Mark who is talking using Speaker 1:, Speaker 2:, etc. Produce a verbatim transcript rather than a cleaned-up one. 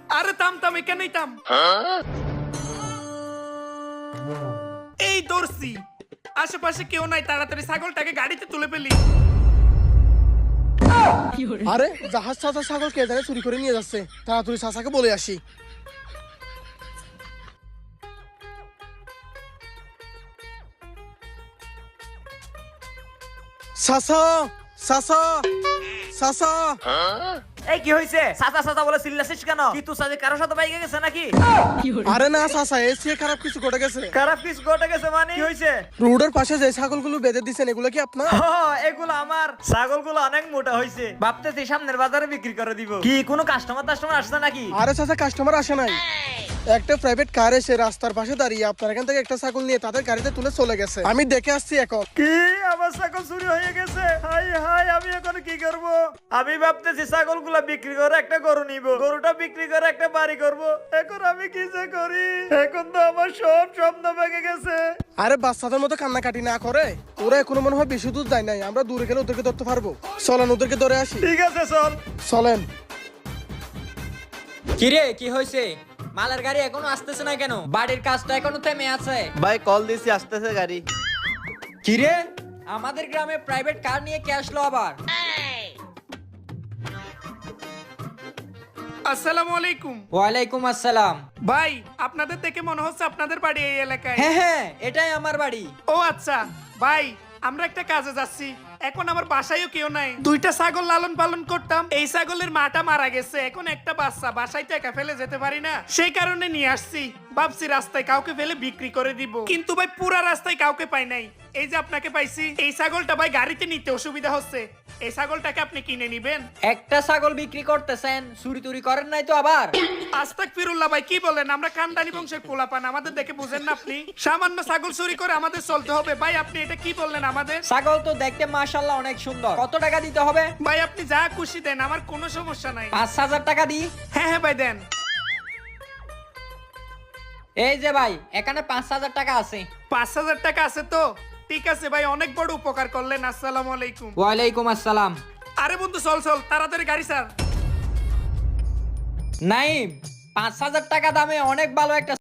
Speaker 1: আরে থাম থাম, এখানেই থাম। এই দর্শি, আশেপাশে কেউ নাই, তাড়াতাড়ি ছাগলটাকে গাড়িতে তুলে ফেলি।
Speaker 2: আরে জাহাজ চাচা ছাগল কে জানে চুরি করে নিয়ে যাচ্ছে, তাড়াতাড়ি চাচাকে বলে আসি। চাচা চাচা চাচা,
Speaker 3: এই কি হইছে? সাসা সাসা বলে চিল্লাছিস কেন? কি তুই সাথে কারোর সাথে বাইকে গেছে নাকি?
Speaker 2: আরে না চাচা, এর চেয়ে খারাপ কিছু ঘটে গেছে।
Speaker 3: খারাপ কিছু ঘটে গেছে মানে? কি হইছে?
Speaker 2: রোডের পাশে যে ছাগলগুলো বেঁধে দিচ্ছেন এগুলো কি আপনার?
Speaker 3: ও, এগুলো আমার। ছাগলগুলো অনেক মোটা হইছে, ভাবতেছি সামনের বাজারে বিক্রি করে দিব। কি কোনো কাস্টমার টাস্টমার আসছে নাকি?
Speaker 2: আরে চাচা, কাস্টমার আসে নাই, একটা প্রাইভেট কার এসে রাস্তার পাশে দাঁড়িয়ে আপনার এখান থেকে একটা ছাগল নিয়ে তাদের গাড়িতে তুলে চলে গেছে। আমি দেখে আসছি এখন।
Speaker 3: কি আমার ছাগল চুরি হয়ে গেছে? হাই হাই, আমি এখন কি করব? আমি ভাবতেছি ছাগলগুলো বিক্রি করে একটা গরু নিব, গরুটা বিক্রি করে একটা বাড়ি করব। এখন আমি কি যে করি? এখন তো আমার সব স্বপ্ন ভেঙে গেছে।
Speaker 2: আরে বাচ্চাদের মতো কান্নাকাটি না করে, ওরা এখনো মনে হয় বেশি দূর যায় নাই, আমরা দূরে গেলে ওদেরকে ধরতে পারবো। চলেন ওদেরকে ধরে আসি।
Speaker 3: ঠিক আছে, চল।
Speaker 2: চলেন।
Speaker 4: কিরে কি হয়েছে? মালের গাড়ি এখনো আসতেছে না কেন? বাড়ির কাজটা এখনো থেমে আছে।
Speaker 5: ভাই কল দিছি, আসতেছে গাড়ি।
Speaker 4: কিরে, আমাদের গ্রামে প্রাইভেট কার নিয়ে কে আসলো আবার?
Speaker 1: আসসালামু আলাইকুম।
Speaker 4: ওয়ালাইকুম আসসালাম।
Speaker 1: ভাই, আপনাদের দেখে মনে হচ্ছে আপনাদের বাড়ি এই এলাকায়।
Speaker 4: হ্যাঁ হ্যাঁ, এটাই আমার বাড়ি।
Speaker 1: ও আচ্ছা ভাই, আমরা একটা কাজে যাচ্ছি, এখন আমার বাসায়ও কেউ নাই। দুইটা ছাগল লালন পালন করতাম, এই ছাগলের মাটা মারা গেছে, এখন একটা বাচ্চা, বাসায় তো একা ফেলে যেতে পারি না, সেই কারণে নিয়ে আসছি। ভাবছি রাস্তায় কাউকে ফেলে বিক্রি করে দিব, কিন্তু ভাই পুরা রাস্তায় কাউকে পাই নাই। এই যে আপনাকে পাইছি। এই ছাগলটা ভাই গাড়িতে নিতে অসুবিধা হচ্ছে, এই ছাগলটাকে আপনি কিনে নিবেন।
Speaker 4: একটা ছাগল বিক্রি করতেছেন, চুরি টুরি করেন নাই তো আবার?
Speaker 1: আস্তাক ফিরুল্লাহ ভাই, কি বলেন? আমরা খানদানি বংশের পোলাপান, আমাদের দেখে বুঝেন না আপনি? সামান্য ছাগল চুরি করে আমাদের চলতে হবে? ভাই আপনি এটা কি বললেন আমাদের?
Speaker 4: ছাগল তো দেখতে মাশাআল্লাহ অনেক সুন্দর। কত টাকা দিতে হবে?
Speaker 1: ভাই আপনি যা খুশি দেন, আমার কোনো সমস্যা নাই।
Speaker 4: পাঁচ হাজার টাকা দিই।
Speaker 1: হ্যাঁ হ্যাঁ ভাই দেন।
Speaker 4: এই যে ভাই, এখানে পাঁচ হাজার টাকা আছে।
Speaker 1: পাঁচ হাজার টাকা আছে তো? ঠিক আছে ভাই, অনেক বড় উপকার করলেন। আসসালামু আলাইকুম।
Speaker 4: ওয়ালাইকুম আসসালাম।
Speaker 1: আরে বন্ধু চল চল, তাড়াতাড়ি গাড়ি ছাড়।
Speaker 4: নাইম, পাঁচ হাজার টাকা দামে অনেক ভালো একটা